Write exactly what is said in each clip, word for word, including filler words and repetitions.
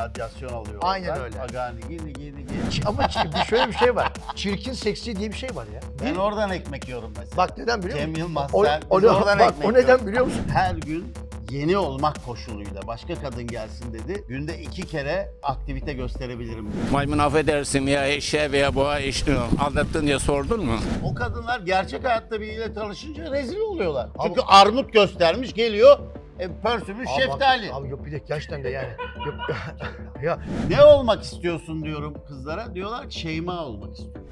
radyasyon alıyor. Aynen oradan. öyle. Aga nigi nigi nigi. Ç- Ama ç- şöyle bir şey var. Çirkin seksi diye bir şey var ya. Ben oradan ekmek yiyorum mesela. Bak neden biliyor musun? Cem Yılmaz O, sen, o, biz o, oradan bak, ekmek o neden yiyoruz. biliyor musun? Her gün yeni olmak koşuluyla başka kadın gelsin dedi. Günde iki kere aktivite gösterebilirim dedi. Maymun affedersin ya eşeğe veya boğa eşeği aldattın diye sordun mu? O kadınlar gerçek hayatta biriyle tanışınca rezil oluyorlar. Çünkü armut göstermiş geliyor, e, pörsümüş Abi şeftali. Abi, abi yok bir de gerçekten de yani. Yok, ya Ne olmak istiyorsun diyorum kızlara. Diyorlar ki Şeyma olmak istiyorum.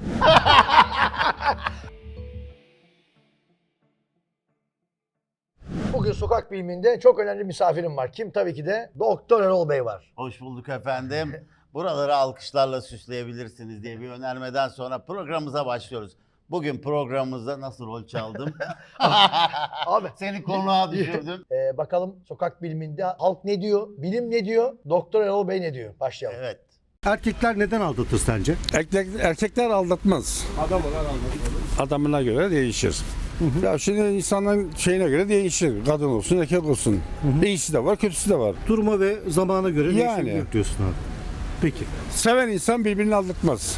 bugün sokak biliminde çok önemli misafirim var. Kim? Tabii ki de Doktor Erol Bey var. Hoş bulduk efendim. Buraları alkışlarla süsleyebilirsiniz diye bir önermeden sonra programımıza başlıyoruz. Bugün programımızda nasıl rol çaldım? Abi Seni konuğa düşürdüm. Ee, bakalım sokak biliminde halk ne diyor, bilim ne diyor, Doktor Erol Bey ne diyor? Başlayalım. Evet. Erkekler neden aldatır sence? Erkek, erkekler aldatmaz. Adamlar aldatmaz. Adamına göre değişir. Ya şimdi insanların şeyine göre değişir. Kadın olsun, erkek olsun. İyisi de var, kötüsü de var. Duruma ve zamana göre Yani. değişebiliyor diyorsun abi. Peki. Seven insan birbirini aldatmaz.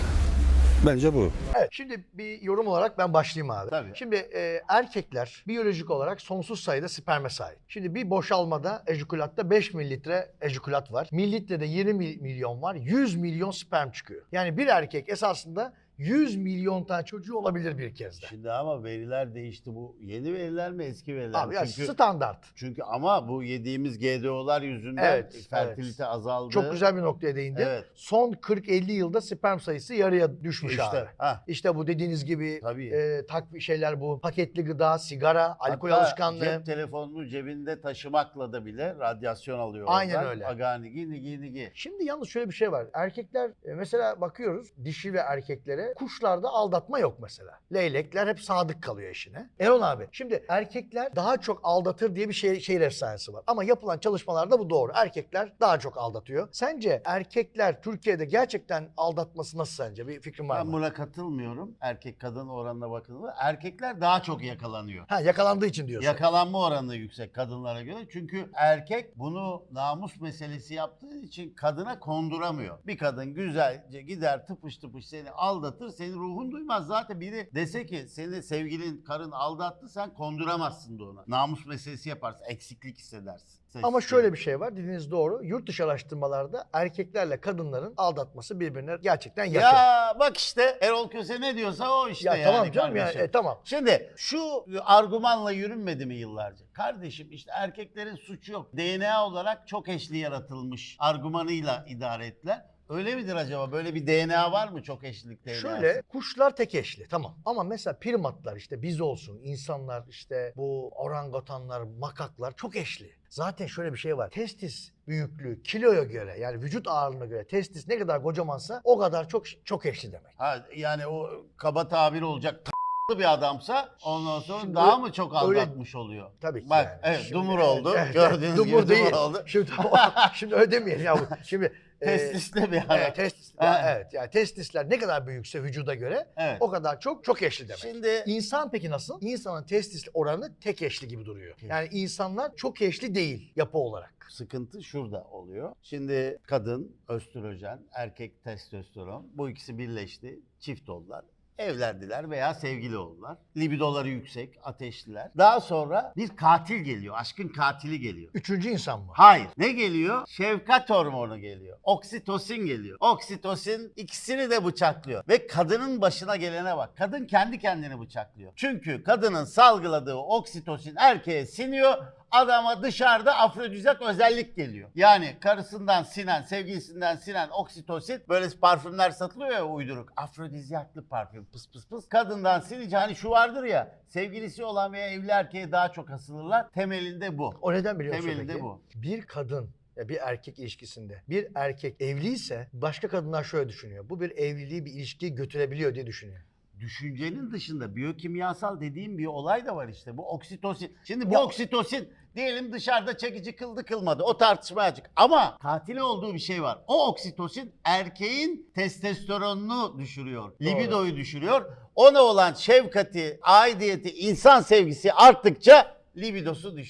Bence bu. Evet, şimdi bir yorum olarak ben başlayayım abi. Tabii. Şimdi e, erkekler biyolojik olarak sonsuz sayıda sperme sahip. Şimdi bir boşalmada, ejikülatta beş mililitre ejikülat var. Mililitrede yirmi mil- milyon var. yüz milyon sperm çıkıyor. Yani bir erkek esasında yüz milyon tane çocuğu olabilir bir kez de. Şimdi ama veriler değişti. Bu yeni veriler mi eski veriler Abi mi? ya Çünkü, standart. çünkü ama bu yediğimiz G D O'lar yüzünden Evet, fertilite evet. azaldı. Çok güzel bir noktaya değindi. Evet. Son kırk elli yılda sperm sayısı yarıya düşmüş İşte, abi. hah. İşte bu dediğiniz gibi Tabii. e, tak şeyler bu. Paketli gıda, sigara, alkol Hatta alışkanlığı. cep telefonunu cebinde taşımakla da bile radyasyon alıyor. Aynen oradan. öyle. Aga nigi nigi nigi. Şimdi yalnız şöyle bir şey var. Erkekler e, mesela bakıyoruz dişi ve erkeklere, kuşlarda aldatma yok mesela. Leylekler hep sadık kalıyor eşine. Erol abi şimdi erkekler daha çok aldatır diye bir şey, şehir efsanesi var. Ama yapılan çalışmalarda bu doğru. Erkekler daha çok aldatıyor. Sence erkekler Türkiye'de gerçekten aldatması nasıl sence? Bir fikrin var Ben mı? buna katılmıyorum. Erkek kadın oranına bakıldığında erkekler daha çok yakalanıyor. Ha, yakalandığı için diyorsun. Yakalanma oranı yüksek kadınlara göre. Çünkü erkek bunu namus meselesi yaptığı için kadına konduramıyor. Bir kadın güzelce gider tıpış tıpış seni aldatır, senin ruhun duymaz. Zaten biri dese ki seni sevgilin, karın aldattı, sen konduramazsın da ona. Namus meselesi yaparsın, eksiklik hissedersin. Ama şöyle bir şey var, dediğiniz doğru. Yurt dışı araştırmalarda erkeklerle kadınların aldatması birbirine gerçekten yakın. Ya bak işte Erol Köse ne diyorsa o işte Ya yani tamam canım ya, kardeşim. e, tamam. Şimdi şu argümanla yürünmedi mi yıllarca? Kardeşim işte erkeklerin suçu yok. D N A olarak çok eşli yaratılmış argümanıyla idare ettiler. Öyle midir acaba? Böyle bir D N A var mı çok eşlilik D N A'sı? Şöyle kuşlar tek eşli tamam ama mesela primatlar işte biz olsun insanlar işte bu orangutanlar makaklar çok eşli. Zaten şöyle bir şey var testis büyüklüğü kiloya göre yani vücut ağırlığına göre testis ne kadar kocamansa o kadar çok çok eşli demek. Ha, yani o kaba tabir olacak t***lı bir adamsa ondan sonra Şimdi daha öyle- mı çok öyle- aldatmış oluyor? Tabii ki Bak yani. evet Şimdi- dumur oldu. Evet, Gördüğünüz dumur gibi değil. dumur oldu. Şimdi, şimdi öyle demeyelim ya. bu. Şimdi e, Testisli bir adam. Evet, testis, Ha. evet yani testisler ne kadar büyükse vücuda göre Evet. o kadar çok çok eşli demek. Şimdi İnsan peki nasıl? İnsanın testis oranı tek eşli gibi duruyor. Yani insanlar çok eşli değil yapı olarak. sıkıntı şurada oluyor. Şimdi kadın östrojen, erkek testosteron bu ikisi birleşti. Çift oldular. Evlendiler veya sevgili oldular. Libidoları yüksek, ateşliler. Daha sonra bir katil geliyor. Aşkın katili geliyor. Üçüncü insan mı? Hayır. Ne geliyor? Şefkat hormonu geliyor. Oksitosin geliyor. Oksitosin ikisini de bıçaklıyor. Ve kadının başına gelene bak. Kadın kendi kendini bıçaklıyor. Çünkü kadının salgıladığı oksitosin erkeğe siniyor. Adama dışarıda afrodizyak özellik geliyor. Yani karısından sinen, sevgilisinden sinen oksitosin böyle parfümler satılıyor ya uyduruk. Afrodizyaklı parfüm pıs pıs pıs. Kadından sinince hani şu vardır ya sevgilisi olan veya evli erkeğe daha çok asılırlar. Temelinde bu. O neden biliyor musun Temelinde peki? bu. Bir kadın ya bir erkek ilişkisinde bir erkek evliyse başka kadınlar şöyle düşünüyor. Bu bir evliliği bir ilişkiyi götürebiliyor diye düşünüyor. Düşüncenin dışında biyokimyasal dediğim bir olay da var işte. Bu oksitosin. Şimdi bu Ya- oksitosin diyelim dışarıda çekici kıldı kılmadı. O tartışmaya açık. Ama katil olduğu bir şey var. O oksitosin erkeğin testosteronunu düşürüyor. Libidoyu düşürüyor. Ona olan şefkati, aidiyeti, insan sevgisi arttıkça libidosu düşüyor.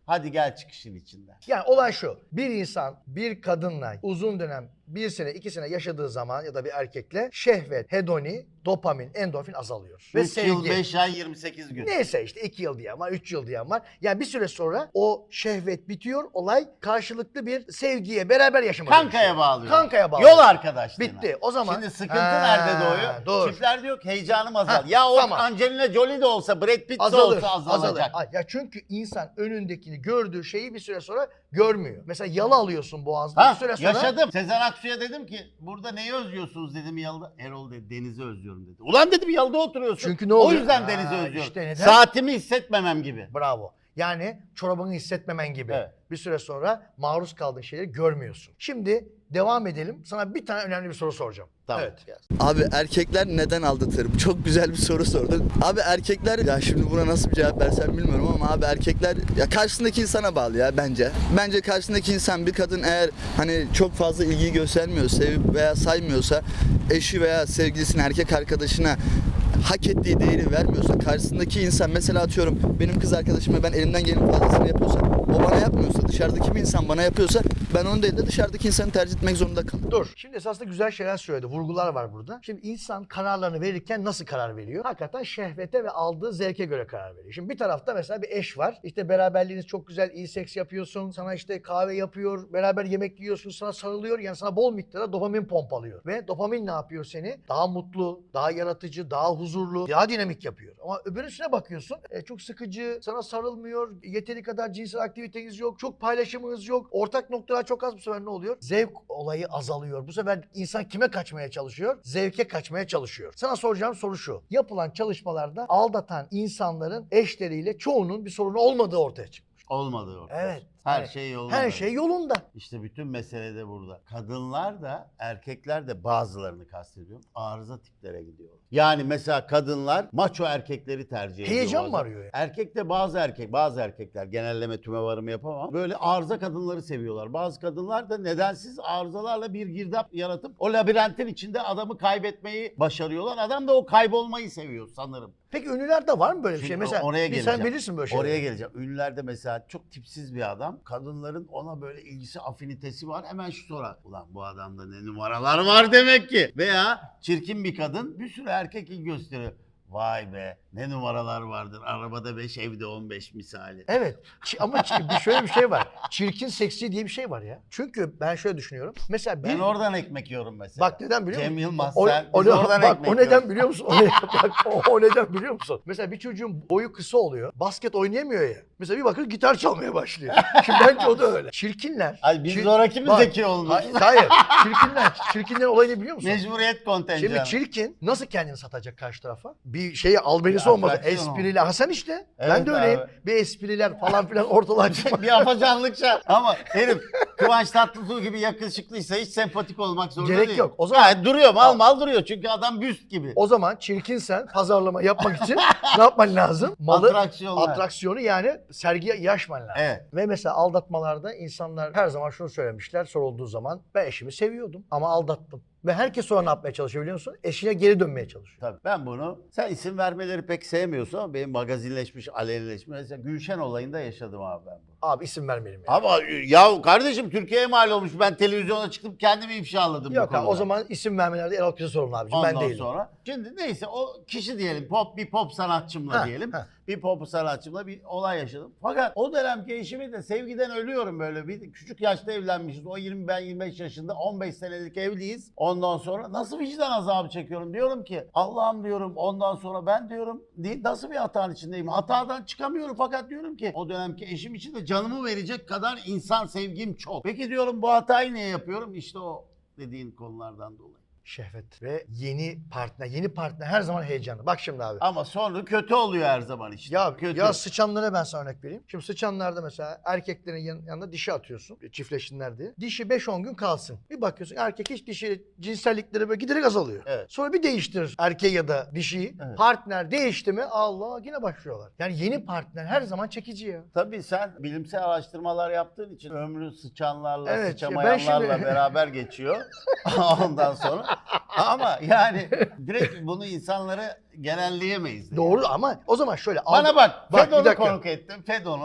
Hadi gel çıkışın içinden. Yani olay şu. Bir insan bir kadınla uzun dönem bir sene iki sene yaşadığı zaman ya da bir erkekle şehvet, hedoni, dopamin, endorfin azalıyor. Ve üç yıl, beş ay, yirmi sekiz gün. Neyse işte iki yıl diyen var, üç yıl diyen var. Yani bir süre sonra o şehvet bitiyor. Olay karşılıklı bir sevgiye, beraber yaşamaya Kankaya dönüşüyor. bağlıyor. Kankaya bağlıyor. Yol arkadaşlığına. Bitti. O zaman... Şimdi sıkıntı Ha, nerede doğuyor? Dur. Çiftler diyor ki heyecanım azal. Ha, ya o tamam. Angelina Jolie de olsa, Brad Pitt de Azalır, olsa azalır. azalacak. Ay, Ya çünkü insan önündekini gördüğü şeyi bir süre sonra görmüyor. Mesela yalı alıyorsun boğazda. Ha, bir süre sonra... yaşadım. Sezen Aksu'ya dedim ki burada neyi özlüyorsunuz dedim yalıda. Erol dedi denizi özlüyorum dedi. Ulan dedim yalıda oturuyorsun. Çünkü ne O oluyor? yüzden Ha, denizi özlüyorum. işte neden? Saatimi hissetmemem gibi. Bravo. Yani çorabını hissetmemen gibi. Evet. Bir süre sonra maruz kaldığın şeyleri görmüyorsun. Şimdi devam edelim. Sana bir tane önemli bir soru soracağım. Tamam. Evet. Abi erkekler neden aldatır? Bu çok güzel bir soru sordun. Abi erkekler, ya şimdi buna nasıl bir cevap versem bilmiyorum ama abi erkekler ya karşısındaki insana bağlı ya bence. Bence karşısındaki insan, bir kadın eğer hani çok fazla ilgiyi göstermiyor, sevip veya saymıyorsa, eşi veya sevgilisine, erkek arkadaşına hak ettiği değeri vermiyorsa, karşısındaki insan mesela atıyorum benim kız arkadaşıma ben elimden gelenin fazlasını yapıyorsam, o bana yapmıyorsa, dışarıdaki bir insan bana yapıyorsa ben onu değil de dışarıdaki insanı tercih etmek zorunda kalırım. Dur. Şimdi esasında güzel şeyler söyledi. Vurgular var burada. Şimdi insan kararlarını verirken nasıl karar veriyor? Hakikaten şehvete ve aldığı zevke göre karar veriyor. Şimdi bir tarafta mesela bir eş var. İşte beraberliğiniz çok güzel, iyi seks yapıyorsun. Sana işte kahve yapıyor. Beraber yemek yiyorsun. Sana sarılıyor. Yani sana bol miktarda dopamin pompalıyor. Ve dopamin ne yapıyor seni? Daha mutlu, daha yaratıcı, daha huzurlu, daha dinamik yapıyor. Ama öbürüsüne bakıyorsun. E, çok sıkıcı, sana sarılmıyor. Yeteri kadar cinsel aktiviteniz yok. Çok paylaşımınız yok. Ortak noktalar çok az. Bu sefer ne oluyor? Zevk olayı azalıyor. Bu sefer insan kime kaçmaya çalışıyor? Zevke kaçmaya çalışıyor. Sana soracağım soru şu. Yapılan çalışmalarda aldatan insanların eşleriyle çoğunun bir sorunu olmadığı ortaya çıkmış. Olmadı ortada. Evet. Her Evet. şey yolunda. Her şey yolunda. İşte bütün mesele de burada. Kadınlar da erkekler de bazılarını kastediyorum. Arıza tiplere gidiyor. Yani mesela kadınlar maço erkekleri tercih ediyor. Heyecan bazen. mı arıyor yani? Erkek de bazı erkek, bazı erkekler genelleme tümevarımı yapamam. Böyle arıza kadınları seviyorlar. Bazı kadınlar da nedensiz arızalarla bir girdap yaratıp o labirentin içinde adamı kaybetmeyi başarıyorlar. Adam da o kaybolmayı seviyor sanırım. Peki ünlülerde var mı böyle bir Şimdi şey? Mesela oraya bir geleceğim. sen bilirsin böyle şeyleri. Oraya geleceğim. Ünlülerde mesela çok tipsiz bir adam. Kadınların ona böyle ilgisi, afinitesi var. Hemen şu sorar. Ulan bu adamda ne numaralar var demek ki. Veya çirkin bir kadın bir sürü erkek ilgi gösteriyor. Vay be ne numaralar vardır. Arabada beş, evde on beş misali. Evet. Ç- ama ç- bir şöyle bir şey var. Çirkin seksi diye bir şey var ya. Çünkü ben şöyle düşünüyorum. Mesela bir... Ben oradan ekmek yiyorum mesela. Bak neden biliyor musun? Cem Yılmaz O, sen o, biz ne- oradan bak, ekmek o neden yiyoruz. biliyor musun? O, ne- bak, o, o neden biliyor musun? Mesela bir çocuğun boyu kısa oluyor. Basket oynayamıyor ya. Mesela bir bakın gitar çalmaya başlıyor. Şimdi bence o da öyle. Çirkinler. Ay biz çir- zoraki mi Bak, zeki olmuş? Hayır, hayır. Çirkinler. Çirkinlerin olayını biliyor musun? Mecburiyet kontenjanı. Şimdi çirkin nasıl kendini satacak karşı tarafa? Bir şeye albenisi Bir olmadı. atraksiyon Espriyle. Ha sen işte. ben Evet de öyleyim. abi. Bir espriler falan filan ortalığa çıkma. bir afacanlık şart. Ama herif Kıvanç Tatlıtuğ gibi yakışıklıysa hiç sempatik olmak zorunda Gerek değil. yok. O zaman- Gayet duruyor mal mal duruyor çünkü adam büst gibi. O zaman çirkinsen pazarlama yapmak için ne yapman lazım? Malı, Atraksiyonlar. atraksiyonu yani sergiye yaşman lazım. Evet. Ve mesela aldatmalarda insanlar her zaman şunu söylemişler sorulduğu zaman ben eşimi seviyordum ama aldattım. Ve herkes sonra ne yapmaya çalışıyor biliyor musun? Eşine geri dönmeye çalışıyor. Tabii ben bunu, sen isim vermeleri pek sevmiyorsun ama benim magazinleşmiş, alenileşmiş. Mesela Gülşen olayında yaşadım abi ben bunu. Abi isim vermeyelim ya. Ama ya kardeşim Türkiye'ye mal olmuş. Ben televizyona çıkıp kendimi ifşaladım Yok bu abi, konuda. o zaman isim vermelerde Erol Kız'a sorun abicim. Ondan Ben değilim. sonra. Şimdi neyse o kişi diyelim pop bir pop sanatçımla Ha, diyelim. ha. Bir pop sanatçımla bir olay yaşadım. Fakat o dönemki eşimi de sevgiden ölüyorum böyle. Bir küçük yaşta evlenmişiz. O yirmi ben yirmi beş yaşında on beş senelik evliyiz. Ondan sonra nasıl vicdan azabı çekiyorum diyorum ki Allah'ım diyorum ondan sonra ben diyorum nasıl bir hatanın içindeyim. Hatadan çıkamıyorum fakat diyorum ki o dönemki eşim için de canımı verecek kadar insan sevgim çok. Peki diyorum bu hatayı niye yapıyorum? İşte o dediğin konulardan dolayı. Şehvet ve yeni partner. Yeni partner her zaman heyecanlı. Bak şimdi abi. Ama sonra kötü oluyor her zaman işte. Ya, kötü. ya sıçanlara ben sana örnek vereyim. Şimdi sıçanlarda mesela erkeklerin yan- yanına dişi atıyorsun. Çiftleşsinler diye. Dişi beş on gün kalsın. Bir bakıyorsun erkek hiç dişi cinsellikleri böyle giderek azalıyor. Evet. Sonra bir değiştirir erkeği ya da dişiyi. Evet. Partner değişti mi Allah yine başlıyorlar. Yani yeni partner her zaman çekici ya. Tabii sen bilimsel araştırmalar yaptığın için ömrü sıçanlarla, Evet, sıçamayanlarla ben şimdi- beraber geçiyor. Ondan sonra. Ama yani direkt bunu insanları genelleyemeyiz. de Doğru yani. ama o zaman şöyle. Bana aldı- bak, Bak, bir Fedon'u dakika. konuk ettim. Fedon'u.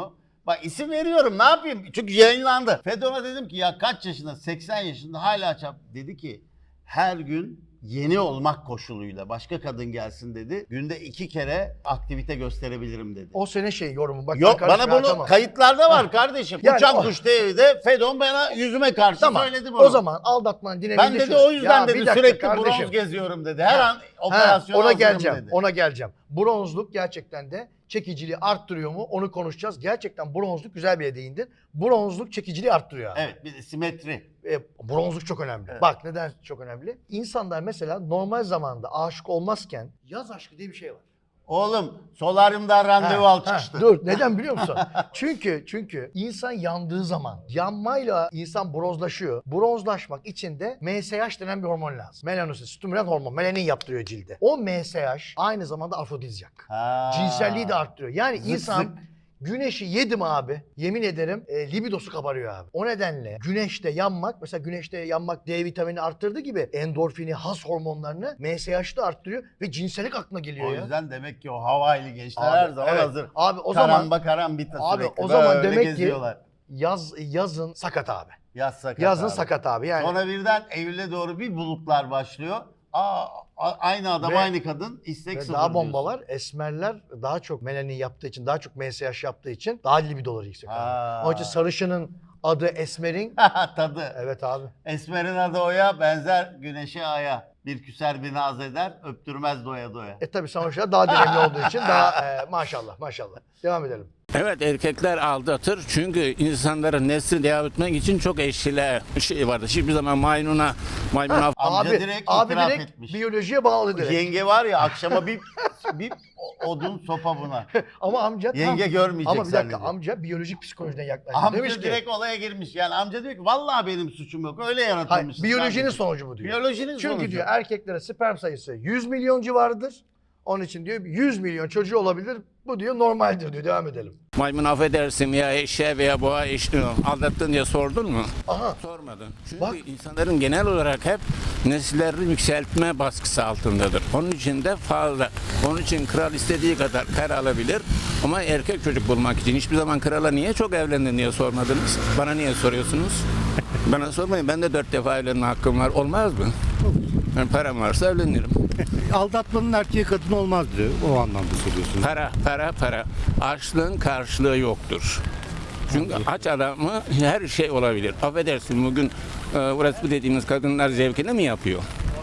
Bak isim veriyorum ne yapayım? Çünkü yayınlandı. Fedon'a dedim ki ya kaç yaşında? seksen yaşında hala çap. Dedi ki her gün yeni olmak koşuluyla başka kadın gelsin dedi. Günde iki kere aktivite gösterebilirim dedi. O senin şey yorumun. Bak, Yok ben bana karışmıyorum, bunu tamam. kayıtlarda var kardeşim. Yani Uçan o- Kuş T V'de Fedon bana yüzüme karşı Tamam. söyledi bunu. O zaman aldatmanın dinamiği ben de dedi şu. o yüzden Ya bir dedi dakika sürekli kardeşim. bronz geziyorum dedi. Her an Ha, operasyona ona hazırım geleceğim. dedi. Ona geleceğim. Bronzluk gerçekten de çekiciliği arttırıyor mu? Onu konuşacağız. Gerçekten bronzluk güzel bir yere değindin. Bronzluk çekiciliği arttırıyor abi. Evet bir de simetri. E, bronzluk çok önemli. Evet. Bak neden çok önemli? İnsanlar mesela normal zamanda aşık olmazken yaz aşkı diye bir şey var. Oğlum solaryumdan randevu Ha, al ha, çıkıştı. dur neden biliyor musun? çünkü çünkü insan yandığı zaman yanmayla insan bronzlaşıyor. Bronzlaşmak için de M S H denen bir hormon lazım. Melanosit, stimülant hormon. Melanin yaptırıyor cilde. O M S H aynı zamanda afrodizyak. Ha. Cinselliği de arttırıyor. Yani Zık insan zık. güneşi yedim abi. Yemin ederim e, libidosu kabarıyor abi. O nedenle güneşte yanmak, mesela güneşte yanmak D vitamini arttırdığı gibi endorfini, has hormonlarını M S H'ı da arttırıyor ve cinsellik aklına geliyor O ya. yüzden demek ki o Hawaii'li gençler Abi, her zaman evet. hazır. Abi o zaman Karamba karambita Abi sürekli. o zaman Böyle demek geziyorlar. ki yaz yazın sakat abi. Yaz sakat Yazın abi. sakat abi yani. Sonra birden Eylül'e doğru bir bulutlar başlıyor. Aa, a- aynı adam Ve- aynı kadın istek Ve sıfır daha bomba diyorsun. var. Esmerler daha çok melanin yaptığı için, daha çok M S H yaptığı için daha libidoları yüksek. Ha. Abi. Onun için sarışının adı Esmer'in. Tadı. Evet abi. Esmer'in adı Oya, benzer güneşe aya. Bir küser bir naz eder, öptürmez doya doya. E tabii sonuçta daha direnli olduğu için daha e, maşallah maşallah. Devam edelim. Evet erkekler aldatır çünkü insanların nesli devam etmek için çok eşli şey vardır. Hiçbir zaman maymuna maymuna Amca abi direkt abi itiraf direkt etmiş. biyolojiye bağlı direkt. Yenge var ya akşama bir bir odun sopa buna. Ama amca tam- Yenge görmeyecek Ama bir dakika zannediyor. amca biyolojik psikolojiden yaklaşıyor. Amca Demiş ki, direkt olaya girmiş. Yani amca diyor ki vallahi benim suçum yok. Öyle hayır, yaratılmış. biyolojinin sonucu bu diyor. Biyolojinin Çünkü sonucu. diyor erkeklere sperm sayısı yüz milyon civarıdır. Onun için diyor yüz milyon çocuğu olabilir. Bu diyor normaldir diyor. Devam edelim. maymun affedersin ya eşeğe veya boğa eşliği aldattın diye sordun mu? Aha. Sormadın. Çünkü Bak. insanların genel olarak hep nesillerini yükseltme baskısı altındadır. Onun için de fazla. Onun için kral istediği kadar kar alabilir. Ama erkek çocuk bulmak için hiçbir zaman krala niye çok evlendin diye sormadınız. Bana niye soruyorsunuz? Bana sormayın. Ben de dört defa evlenme hakkım var. Olmaz mı? Yani param varsa evlenirim. Aldatmanın erkeğe kadın olmaz diyor. O anlamda söylüyorsun. Para, para, para. Açlığın karşılığı yoktur. Çünkü aç adamı her şey olabilir. Affedersin bugün e, burası bu dediğimiz kadınlar zevkini mi yapıyor?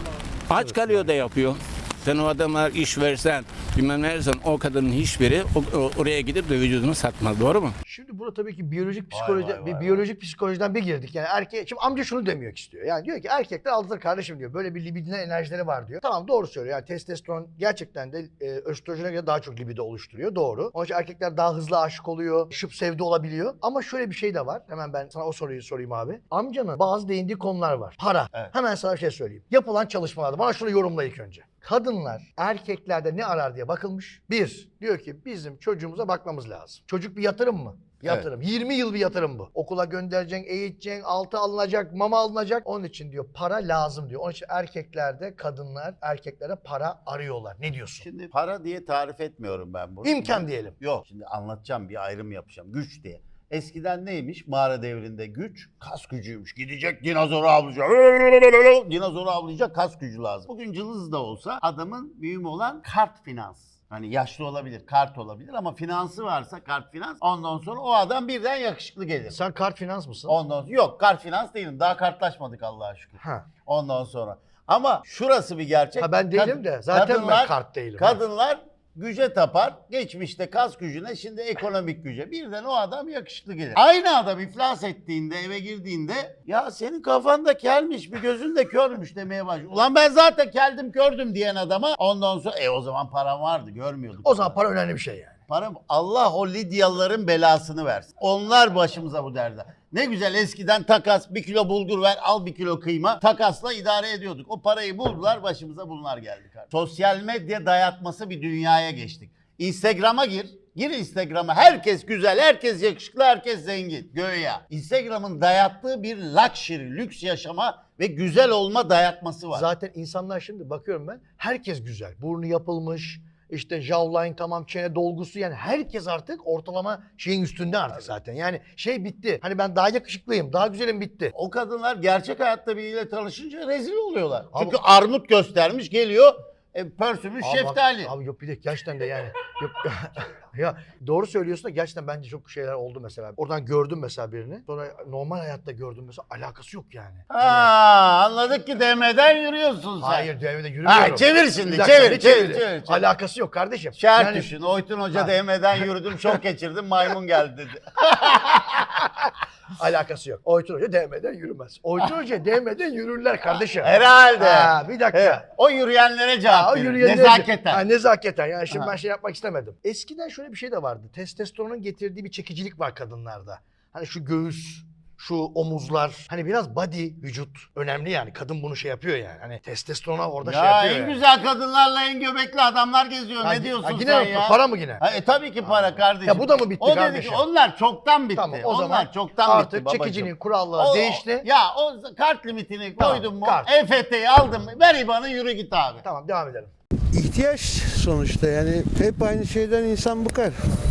Aç kalıyor da yapıyor. Sen o adama iş versen, bilmem ne versen o kadının hiçbiri o- o- oraya gidip de vücudunu satmaz. Doğru mu? Şimdi burada tabii ki biyolojik psikoloji, vay, vay, bir vay. biyolojik psikolojiden bir girdik. Yani erkeğe, şimdi amca şunu demek istiyor. Yani diyor ki erkekler aldatır kardeşim diyor. Böyle bir libidinal enerjileri var diyor. Tamam doğru söylüyor. Yani testosteron gerçekten de e, östrojene göre daha çok libido oluşturuyor. Doğru. Onun için erkekler daha hızlı aşık oluyor. Şıp sevdi olabiliyor. Ama şöyle bir şey de var. Hemen ben sana o soruyu sorayım abi. Amcanın bazı değindiği konular var. Para. Evet. Hemen sana bir şey söyleyeyim. Yapılan çalışmalarda bana şunu yorumla ilk önce. Kadınlar erkeklerde ne arar diye bakılmış. Bir, diyor ki bizim çocuğumuza bakmamız lazım. Çocuk bir yatırım mı? Yatırım. yirmi yıl bir yatırım bu. Okula göndereceksin, eğiteceksin, altı alınacak, mama alınacak. Onun için diyor para lazım diyor. Onun için erkeklerde kadınlar erkeklere para arıyorlar. Ne diyorsun? Şimdi para diye tarif etmiyorum ben bunu. İmkan diyelim. Yok şimdi anlatacağım bir ayrım yapacağım. Güç diye. Eskiden neymiş? Mağara devrinde güç kas gücüymüş. Gidecek dinozoru avlayacak. Dinozoru avlayacak kas gücü lazım. Bugün cılız da olsa adamın mühim olan kart finans. Hani yaşlı olabilir, kart olabilir ama finansı varsa kart finans ondan sonra o adam birden yakışıklı gelir. Sen kart finans mısın? Ondan sonra yok kart finans değilim. Daha kartlaşmadık Allah'a şükür. Ha. Ondan sonra. Ama şurası bir gerçek. Ha ben değilim Kad- de zaten ben kadınlar- kart değilim. Kadınlar güce tapar. Geçmişte kas gücüne, şimdi ekonomik güce. Birden o adam yakışıklı gelir. Aynı adam iflas ettiğinde, eve girdiğinde ya senin kafanda kelmiş, bir gözün de körmüş demeye başlıyor. Ulan ben zaten keldim, kördüm diyen adama ondan sonra e o zaman param vardı, görmüyorduk. O zaman para önemli bir şey yani. Param, Allah o Lidyalıların belasını versin. Onlar başımıza bu derdi. Ne güzel eskiden takas, bir kilo bulgur ver, al bir kilo kıyma. Takasla idare ediyorduk. O parayı buldular, başımıza bunlar geldi. Kardeşim. Sosyal medya dayatması bir dünyaya geçtik. Instagram'a gir. Gir Instagram'a. Herkes güzel, herkes yakışıklı, herkes zengin. Göya. Instagram'ın dayattığı bir luxury, lüks yaşama ve güzel olma dayatması var. Zaten insanlar şimdi bakıyorum ben herkes güzel. Burnu yapılmış, işte jawline tamam, çene dolgusu, yani herkes artık ortalama şeyin üstünde artık zaten. Yani şey bitti. Hani ben daha yakışıklıyım, daha güzelim bitti. O kadınlar gerçek hayatta biriyle tanışınca rezil oluyorlar. Abi- Çünkü armut göstermiş geliyor, e, pörsümüş Abi bak- şeftali. Abi yok bir de gerçekten de yani. Yok, ya doğru söylüyorsun da gerçekten bence çok şeyler oldu mesela. Oradan gördüm mesela birini. Sonra normal hayatta gördüm mesela, alakası yok yani. Ha, anladık ki D M'den yürüyorsun sen. Hayır, devede yürümüyorum. Ha, çevir şimdi, Bir dakika, çevir, ne çevir, çeviri? çevir, çevir. Alakası yok kardeşim. Şart Yani- düşün. Oytun Hoca Ha. D M'den yürüdüm, şok geçirdim, maymun geldi dedi. Alakası yok. Oytun Hoca değmeden yürümez. Oytun Hoca değmeden yürürler kardeşim. Herhalde. Ha, bir dakika. Evet. O yürüyenlere cevap Ha, o verin. yürüyenler- Nezaketen. Ha, nezaketen. Yani şimdi Ha. ben şey yapmak istemedim. Eskiden şöyle bir şey de vardı. Testosteronun getirdiği bir çekicilik var kadınlarda. Hani şu göğüs, şu omuzlar. Hani biraz body, vücut önemli yani. Kadın bunu şey yapıyor yani. Hani testosterona orada şey Ya yapıyor en yani. güzel kadınlarla en göbekli adamlar geziyor. Ha, ne diyorsun ha, yine sen mi? ya? Para mı yine? Ha, e, tabii ki para kardeşim. Ya bu da mı bitti o kardeşim? Dedi ki, onlar çoktan bitti. Tamam, o onlar zaman çoktan artık bitti babacığım. çekicinin kuralları O- değişti. Ya o kart limitini Tamam, koydun mu? kart. E F T'yi aldın mı? Ver I B A N'ı yürü git abi. Tamam, devam edelim. İhtiyaç sonuçta, yani hep aynı şeyden insan bıkar.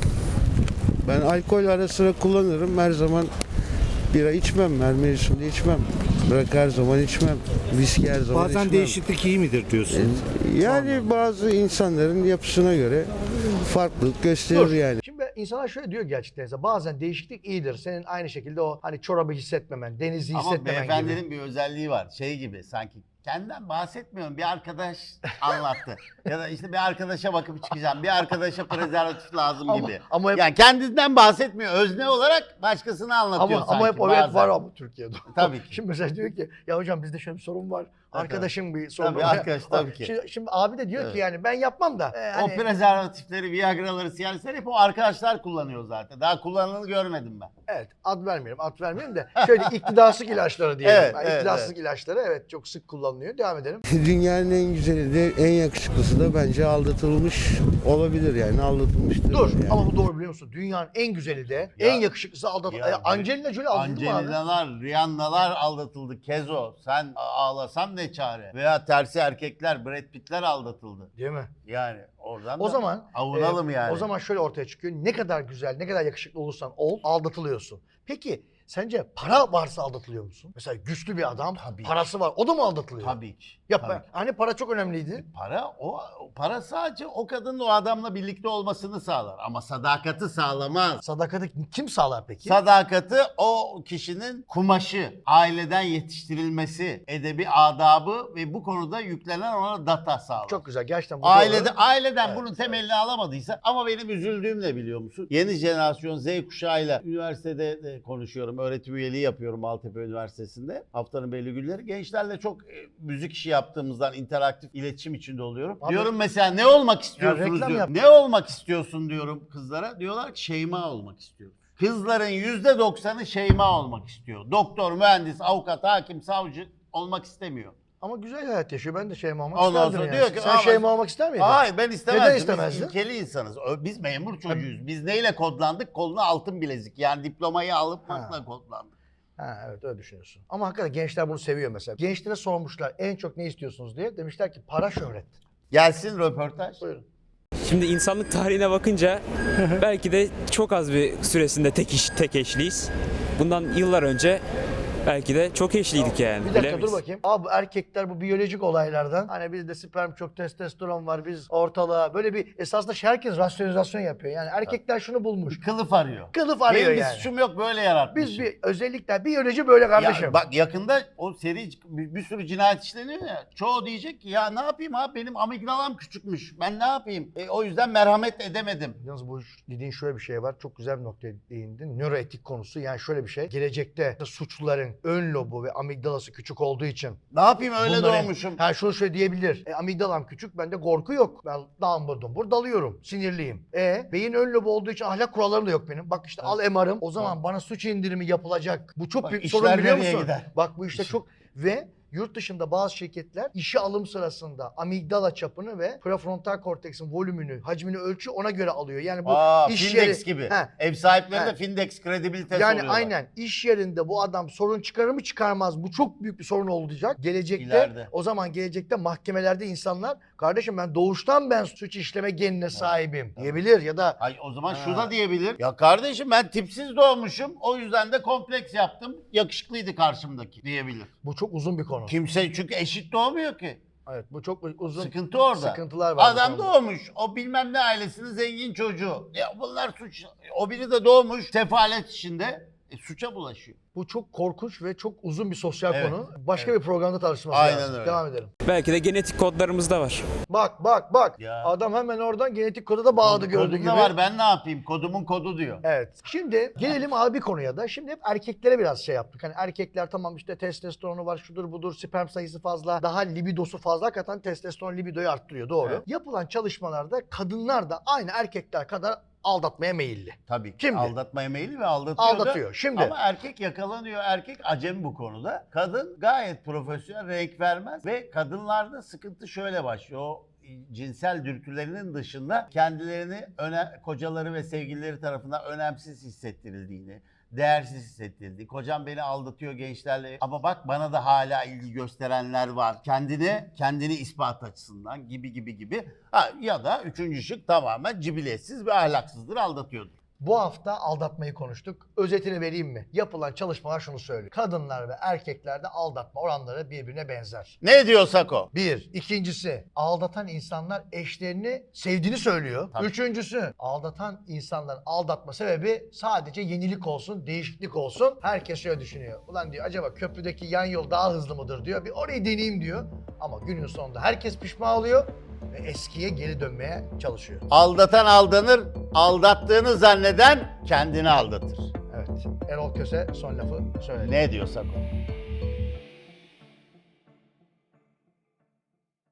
Ben alkol ara sıra kullanırım, her zaman bira içmem, her mevsimde içmem. Bırak her zaman içmem, viski her zaman Bazen içmem. değişiklik iyi midir diyorsun? Yani bazı insanların yapısına göre farklılık gösterir Dur. yani. Şimdi insanlar şöyle diyor gerçekten, mesela bazen değişiklik iyidir. Senin aynı şekilde o hani çorabı hissetmemen, denizi Ama hissetmemen beyefendinin gibi. bir özelliği var. Şey gibi sanki kendinden bahsetmiyorum. Bir arkadaş anlattı. Ya da işte bir arkadaşa bakıp çıkacağım. Bir arkadaşa prezervatif lazım Ama- gibi. ama hep- Yani kendinden bahsetmiyor. Özne olarak başkasını anlatıyor Ama, sanki. ama hep o evet bazen. var ama Türkiye'de. Tabii ki. Şimdi mesela diyor ki ya hocam bizde şöyle bir sorun var. Arkadaşım bir sorun Tabii, var. arkadaş, tabii ki. Şimdi, şimdi abi de diyor Evet. ki yani ben yapmam da. e, O hani- prezervatifleri, Viagra'ları, Cialis'leri hep o arkadaşlar kullanıyor zaten. Daha kullanılanı görmedim ben. Evet, ad vermiyorum, ad vermiyorum da şöyle iktidarsızlık ilaçları diyelim. Evet, Yani evet, iktidarsızlık evet. ilaçları evet çok sık kullanılıyor. Devam edelim. Dünyanın en güzeli de en yakışıklısı da bence aldatılmış olabilir, yani aldatılmıştır. Dur yani. ama bu doğru biliyor musun? Dünyanın en güzeli de, Ya- en yakışıklısı aldat. Ya- E, Angelina Jolie aldatıldı mı abi? Angelinalar, Rihanna'lar aldatıldı. Kezo, sen ağlasan ne çare? Veya tersi erkekler, Brad Pitt'ler aldatıldı. Değil mi? Yani oradan O da zaman avunalım e, yani. O zaman şöyle ortaya çıkıyor. Ne kadar güzel, ne kadar yakışıklı olursan ol, aldatılıyorsun. Peki sence para varsa aldatılıyor musun? Mesela güçlü bir adam, Tabii. parası var. O da mı aldatılıyor? Tabii ki. Ya tabii ben- ki. hani para çok önemliydi. Para o o para sadece o kadının o adamla birlikte olmasını sağlar ama sadakati sağlamaz. Sadakati kim sağlar peki? Sadakati o kişinin kumaşı, aileden yetiştirilmesi, edebi adabı ve bu konuda yüklenen ona data sağlar. Çok güzel. Gerçekten bu Ailede, doğru. aileden Evet, bunun evet. temelini alamadıysa ama benim üzüldüğüm ne biliyor musun? Yeni jenerasyon Z kuşağıyla üniversitede de konuşuyorum. Öğretim üyeliği yapıyorum Maltepe Üniversitesi'nde. Haftanın belli günleri. Gençlerle çok e, müzik işi yaptığımızdan interaktif iletişim içinde oluyorum. Abi- diyorum mesela ne olmak istiyorsunuz reklam diyorum. yap. Ne olmak istiyorsun diyorum kızlara. Diyorlar ki Şeyma olmak istiyorum. Kızların yüzde doksanı Şeyma olmak istiyor. Doktor, mühendis, avukat, hakim, savcı olmak istemiyor. Ama güzel hayat yaşıyor. Ben de Şeyma olmak Ondan isterdim sonra yani. diyor ki, Sen ama- Şeyma olmak ister miydin? Hayır ben istemezdim. Neden istemezdin? Biz ilkeli insanız. Ö- Biz memur çocuğuyuz. Biz neyle kodlandık? Koluna altın bilezik. Yani diplomayı alıp Ha. makla kodlandık. Ha, evet öyle düşünüyorsun. Ama hakikaten gençler bunu seviyor mesela. Gençlere sormuşlar en çok ne istiyorsunuz diye. Demişler ki para, şöhret. Gelsin röportaj. Buyurun. Şimdi insanlık tarihine bakınca belki de çok az bir süresinde tek iş, tek eşliyiz. Bundan yıllar önce belki de çok eşliydik yani. Bir dakika bilemeyiz. dur bakayım. Abi bu erkekler bu biyolojik olaylardan hani bizde sperm çok, testosteron var, biz ortalığa böyle bir esasında şey herkes rasyonizasyon yapıyor. Yani erkekler şunu bulmuş. Kılıf arıyor. Kılıf arıyor Benim bir yani. suçum yok böyle yaratmışım. Biz bir özellikle biyoloji böyle kardeşim. Ya bak yakında o seri bir, bir sürü cinayet işleniyor ya. Çoğu diyecek ki ya ne yapayım abi benim amigdalam küçükmüş. Ben ne yapayım? E, o yüzden merhamet edemedim. Yalnız bu dediğin şöyle bir şey var. Çok güzel bir noktaya değindin. Nöroetik konusu. Yani şöyle bir şey. Gelecekte suçluların ön lobu ve amigdalası küçük olduğu için Ne yapayım öyle bunları- doğmuşum. Ha şunu şöyle diyebilir. E, amigdalam küçük, bende korku yok. Ben dambur dumbur dalıyorum. Sinirliyim. E beyin ön lobu olduğu için ahlak kurallarım da yok benim. Bak işte al M R'ım. O zaman bana suç indirimi yapılacak. Bu çok Bak, büyük bir işler sorun biliyor nereye musun? gider? Bak bu işte çok ve Yurt dışında bazı şirketler işe alım sırasında amigdala çapını ve prefrontal korteksin volümünü, hacmini ölçüyor, ona göre alıyor. Yani bu Aa, iş Findex yeri gibi. He. Ev sahipleri He. de Findex kredibilitesi Yani oluyorlar. aynen iş yerinde bu adam sorun çıkarır mı çıkarmaz, bu çok büyük bir sorun olacak. Gelecekte İleride. o zaman gelecekte mahkemelerde insanlar kardeşim ben doğuştan ben suç işleme genine sahibim diyebilir ya da Ay o zaman Ha. şu da diyebilir. Ya kardeşim ben tipsiz doğmuşum. O yüzden de kompleks yaptım. Yakışıklıydı karşımdaki diyebilir. bu çok uzun bir konu. Kimse çünkü eşit doğmuyor ki. Evet bu çok uzun Sıkıntı orada. sıkıntılar var. bu Adam konuda. doğmuş. O bilmem ne ailesinin zengin çocuğu. Ya bunlar suç. O biri de doğmuş sefalet içinde. E, suça bulaşıyor. Bu çok korkunç ve çok uzun bir sosyal Evet. konu. Başka bir programda tartışması Aynen lazım. öyle. Devam edelim. Belki de genetik kodlarımızda var. Bak bak bak. Ya. Adam hemen oradan genetik kodu da bağladı Kod- gördüğü kodumda gibi. var ben ne yapayım? Kodumun kodu diyor. Evet. Şimdi gelelim abi bir konuya da. Şimdi hep erkeklere biraz şey yaptık. Hani erkekler tamam işte testosteronu var, şudur budur, sperm sayısı fazla, daha libidosu fazla, hakikaten testosteron libidoyu arttırıyor. Doğru. Evet. Yapılan çalışmalarda kadınlar da aynı erkekler kadar aldatmaya meyilli. Tabii ki. Şimdi- Aldatmaya meyilli ve aldatıyor da. Aldatıyor. Şimdi Ama erkek yakalanıyor. Erkek acemi bu konuda. Kadın gayet profesyonel, renk vermez ve kadınlarda sıkıntı şöyle başlıyor. O cinsel dürtülerinin dışında kendilerini öne, kocaları ve sevgilileri tarafından önemsiz hissettirildiğini, değersiz hissettirildiği, kocam beni aldatıyor gençlerle ama bak bana da hala ilgi gösterenler var. Kendini, kendini ispat açısından gibi gibi gibi. Ha, ya da üçüncü şık tamamen cibiletsiz ve ahlaksızdır, aldatıyordur. bu hafta aldatmayı konuştuk. Özetini vereyim mi? Yapılan çalışmalar şunu söylüyor. Kadınlar ve erkeklerde aldatma oranları birbirine benzer. Ne diyorsak o. Bir. İkincisi, aldatan insanlar eşlerini sevdiğini söylüyor. Tabii. Üçüncüsü, aldatan insanların aldatma sebebi sadece yenilik olsun, değişiklik olsun. Herkes şöyle düşünüyor. Ulan diyor acaba köprüdeki yan yol daha hızlı mıdır diyor. Bir orayı deneyeyim diyor. Ama günün sonunda herkes pişman oluyor ve eskiye geri dönmeye çalışıyor. Aldatan aldanır, aldattığını zanneden kendini aldatır. Evet. Erol Köse son lafı söyledi. Ne diyorsak o.